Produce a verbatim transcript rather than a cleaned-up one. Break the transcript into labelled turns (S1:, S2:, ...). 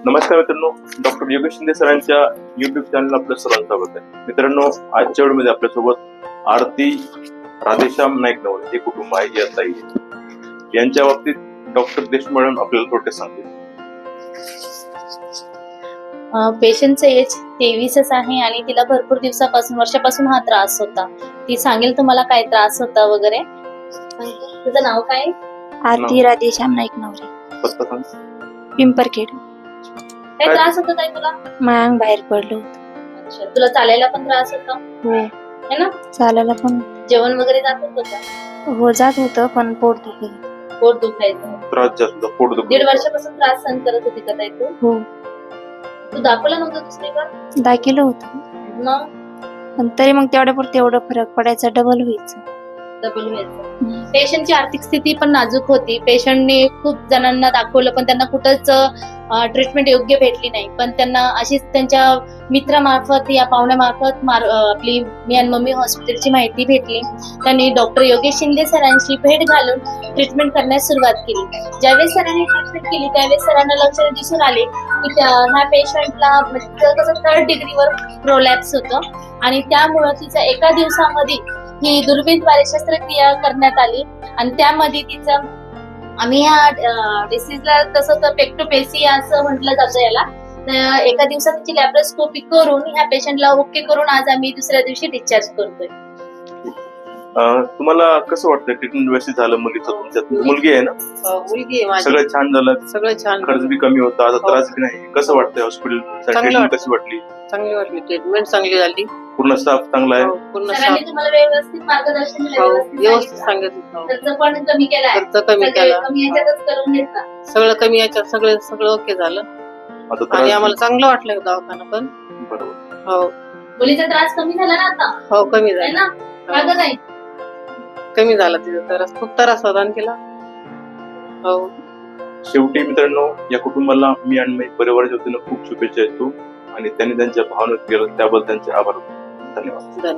S1: नमस्कार मित्रांनो, डॉक्टर योगेश शिंदे सरांच्या युट्यूब चॅनल आपल्या सर्वांचं स्वागत आहे. मित्रांनो, आजच्या वेळेमध्ये आपल्यासोबत आरती राधेश्याम नाईक नवरे हे कुटुंब आहे, या ताई आहे. यांच्या बाबतीत डॉक्टर देशमुख मॅडम आपल्याला थोडक्यात सांगतील.
S2: पेशंटचं एज तेवीसच आहे आणि तिला भरपूर दिवसापासून वर्षापासून हा त्रास होता. ती सांगेल तुम्हाला काय त्रास होता वगैरे. तुझं नाव काय?
S3: आरती राधेश्याम नाईक नवरे,
S1: पत्ता सांग.
S3: पिंपरखेड.
S2: काय त्रास होता ताई तुला?
S3: मांग बाहेर पडलं होतं.
S2: अच्छा, तुला चालायला पण त्रास होता
S3: हो,
S2: है ना?
S3: चालायला पण
S2: जेवण वगैरे जात होतं का?
S3: हो जात होतं, पण पोट दुखत.
S2: पोट दुखायचं.
S1: त्रास जास्त पोट दुखत.
S2: दीड वर्षापासून त्रास सहन करत होती का ताई तू?
S3: हो,
S2: तू दाखवलं नव्हतं दुसरीकडे?
S3: दाखिलं होतं,
S2: मग
S3: पण तरी मग तेवढ्या पुरते एवढं फरक पडायचा, डबल व्हायचं.
S2: डबल व्हायचं. पेशंटची आर्थिक स्थिती पण नाजूक होती. पेशंटने खूप जणांना दाखवलं, पण त्यांना कुठंच ट्रीटमेंट योग्य भेटली नाही. पण त्यांना अशीच त्यांच्या मित्रामार्फत या पाहुण्यामार्फत मार आपली मी आणि मम्मी हॉस्पिटलची माहिती भेटली. त्यांनी डॉक्टर योगेश शिंदे सरांची भेट घालून ट्रीटमेंट करण्यास सुरुवात केली. ज्यावेळेस सरांनी ट्रीटमेंट केली त्यावेळेस सरांना लक्षणे दिसून आले की ह्या पेशंटला कसं थर्ड डिग्रीवर प्रोलॅप्स होतं आणि त्यामुळं तिचं एका दिवसामध्ये ही दुर्बीणद्वारे शस्त्रक्रिया करण्यात आली आणि त्यामध्ये तिचं आम्ही ह्या डिसीजला तसं तर पेक्टोपेसिया असं म्हटलं जातं याला. तर एका दिवसात तिची लॅप्रोस्कोपी करून ह्या पेशंटला ओके करून आज आम्ही दुसऱ्या दिवशी डिस्चार्ज करतोय.
S1: तुम्हाला कसं वाटतं ट्रीटमेंट व्यवस्थित झालं मुलीचं? तुमच्यात मुलगी आहे ना?
S4: मुलगी आहे माझी.
S1: सगळं छान झालं,
S4: सगळं छान.
S1: खर्च बी कमी होता, आता
S4: हो.
S1: त्रास बी नाही. कसं वाटतंय हॉस्पिटल ट्रीटमेंट
S4: वाटतं.
S1: कशी वाटली?
S4: चांगली वाटली, ट्रीटमेंट चांगली झाली.
S1: पूर्ण स्टाफ चांगला आहे.
S4: हो, पूर्ण
S2: सरांनी
S4: साफ.
S2: तुम्हाला व्यवस्थित मार्गदर्शन दिलं,
S4: हो,
S2: व्यवस्थित
S4: व्यवस्थित
S2: सांगितलं.
S4: सांगितलं.
S2: खर्च पण कमी केलाय.
S4: खर्च कमी
S2: सगळे
S4: केला.
S2: कमी याच्यातच करून घेतला.
S4: सगळं कमी याच्यात सगळं सगळं ओके झालं
S1: आता
S4: आणि
S1: त्रास
S4: आम्हाला चांगलं वाटलं दवाखाना पण.
S1: बरोबर.
S4: हो
S2: मुलीचा त्रास कमी झाला ना आता,
S4: हो कमी
S2: है
S4: झालं.
S2: ना? का गं ताई?
S4: कमी झाला तिचा त्रास, खूप त्रास होता आणि तिला. हो,
S1: शेवटी मित्रांनो, या कुटुंबाला मी आणि माझ्या परिवाराच्या वतीनं खूप शुभेच्छा देतो आणि त्यांनी त्यांच्या भावना केलं त्याबद्दल त्यांचे आभार. धन्यवाद.
S4: धन्यवाद.